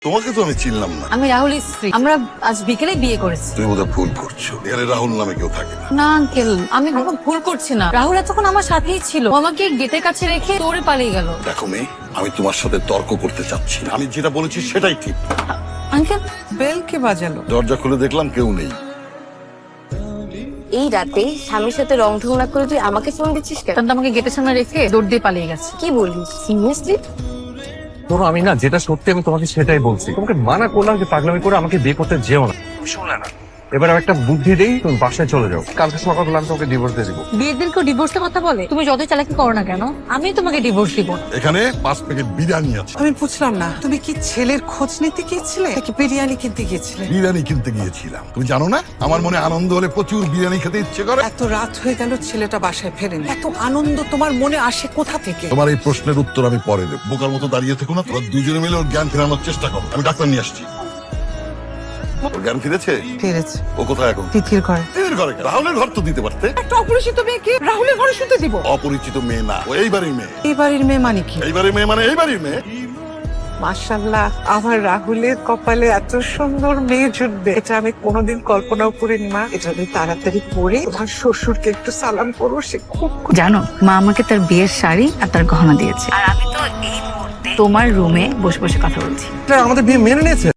তোমাকে তো আমি চিনলাম না। আমি রাহুলের স্ত্রী। আমরা আজ বিকেলে বিয়ে করেছি। তুমি বোধহয় ভুল করছো, এখানে রাহুল নামে কেউ থাকে না। না আঙ্কেল, আমি কোনো ভুল করছি না। রাহুল এতক্ষণ আমার সাথেই ছিল। ও আমাকে গেটের কাছে রেখে দৌড়ে পালিয়ে গেল। দেখো মেয়ে, আমি তোমার সাথে তর্ক করতে চাচ্ছি না। আমি যেটা বলেছি সেটাই ঠিক। আঙ্কেল, বেল কে বাজালো? দরজা খুলে দেখলাম কেউ নেই। এই রাতে স্বামীর সাথে রং ঢং না করে তুই আমাকে ফোন দিচ্ছিস কেন? তারপর আমাকে গেটের সামনে রেখে দৌড় দিয়ে পালিয়ে গেছে। কি বলিস সিরিয়াসলি? ধরো আমি না যেটা সত্যি আমি তোমাকে সেটাই বলছি। তোমাকে মানা করলাম যে পাগলামি করে আমাকে বিয়ে করতে যেও না, শুনলে না। এবার আমি একটা বুদ্ধি দেই, তুমি বাসায় চলে যাও। কালকে সকালে আমি তোমাকে ডিভোর্স দিয়ে দিবো। বিয়ের দিন কেউ ডিভোর্সের কথা বলে? তুমি যতই চালাকি করো না কেন, আমি তোমাকে ডিভোর্স দিব না। এখানে 5 প্যাকেট বিরিয়ানি আছে। আমি বুঝলাম না, তুমি কি ছেলের খোঁজ নিতে গিয়েছিলে নাকি বিরিয়ানি কিনতে গিয়েছিলে? বিরিয়ানি কিনতে গিয়েছিলাম। তুমি জানো না, আমার মনে আনন্দ হলে প্রচুর বিরিয়ানি খেতে ইচ্ছে করে। এত রাত হয়ে গেল, ছেলেটা বাসায় ফেরেনি। এত আনন্দ তোমার মনে আসে কোথা থেকে? তোমার এই প্রশ্নের উত্তর আমি পরে দেব। বোকার মতো দাঁড়িয়ে থেকো না, তোমরা দুজনে মিলে ওর জ্ঞান ফেরানোর চেষ্টা করো। আমি ডাক্তার নিয়ে আসছি। ওর জ্ঞান ফিরেছে? ফিরেছে। ও কোথায় এখন? তিথির ঘরে। এর ঘরে কেন? রাহুলের ঘর তো দিতে পারতে। একটা অপরিচিত মেয়েকে রাহুলের ঘরে শুতে দিব? অপরিচিত মেয়ে না, ও এই বাড়ির মেয়ে। এই বাড়ির মেয়ে মানে কি? এই বাড়ির মেয়ে মানে এই বাড়ির মেয়ে। মাশাআল্লাহ, আমার রাহুলের কপালে এত সুন্দর মেয়ে জুটবে, এটা আমি কোনোদিন কল্পনাও করিনি মা। এটা আমি তাড়াতাড়ি করে তোমার শ্বশুরকে একটু সালাম করবো, সে খুব জানো, মা আমাকে তার বিয়ের শাড়ি আর তার গহনা দিয়েছে। আর আমি তো এই মুহূর্তে তোমার রুমে বসে বসে কথা বলছি। আমাদের বিয়ে মেনে নিয়েছে।